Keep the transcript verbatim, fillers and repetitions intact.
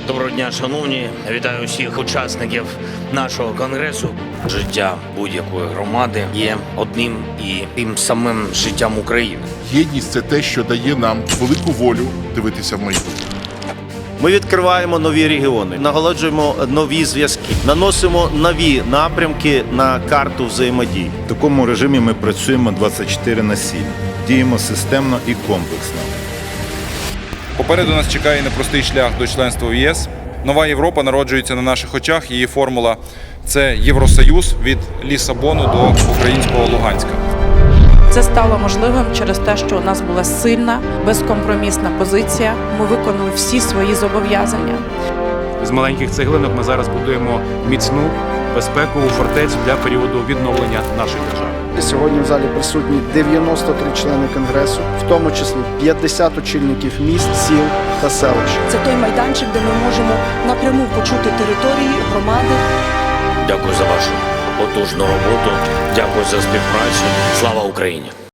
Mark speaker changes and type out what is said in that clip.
Speaker 1: Доброго дня, шановні. Вітаю всіх учасників нашого конгресу. Життя будь-якої громади є одним і тим самим життям України.
Speaker 2: Єдність – це те, що дає нам велику волю дивитися в майбутнє.
Speaker 3: Ми відкриваємо нові регіони, наголоджуємо нові зв'язки, наносимо нові напрямки на карту взаємодії.
Speaker 4: В такому режимі ми працюємо двадцять чотири на сім, діємо системно і комплексно.
Speaker 5: Попереду нас чекає непростий шлях до членства в ЄС. Нова Європа народжується на наших очах. Її формула – це Євросоюз від Лісабону до українського Луганська.
Speaker 6: Це стало можливим через те, що у нас була сильна, безкомпромісна позиція. Ми виконали всі свої зобов'язання.
Speaker 7: З маленьких цеглинок ми зараз будуємо міцну безпекову фортецю для періоду відновлення нашої держави.
Speaker 8: Сьогодні в залі присутні дев'яносто три члени Конгресу, в тому числі п'ятдесят очільників міст, сіл та селищ.
Speaker 9: Це той майданчик, де ми можемо напряму почути території, громади.
Speaker 1: Дякую за вашу потужну роботу. Дякую за співпрацю. Слава Україні!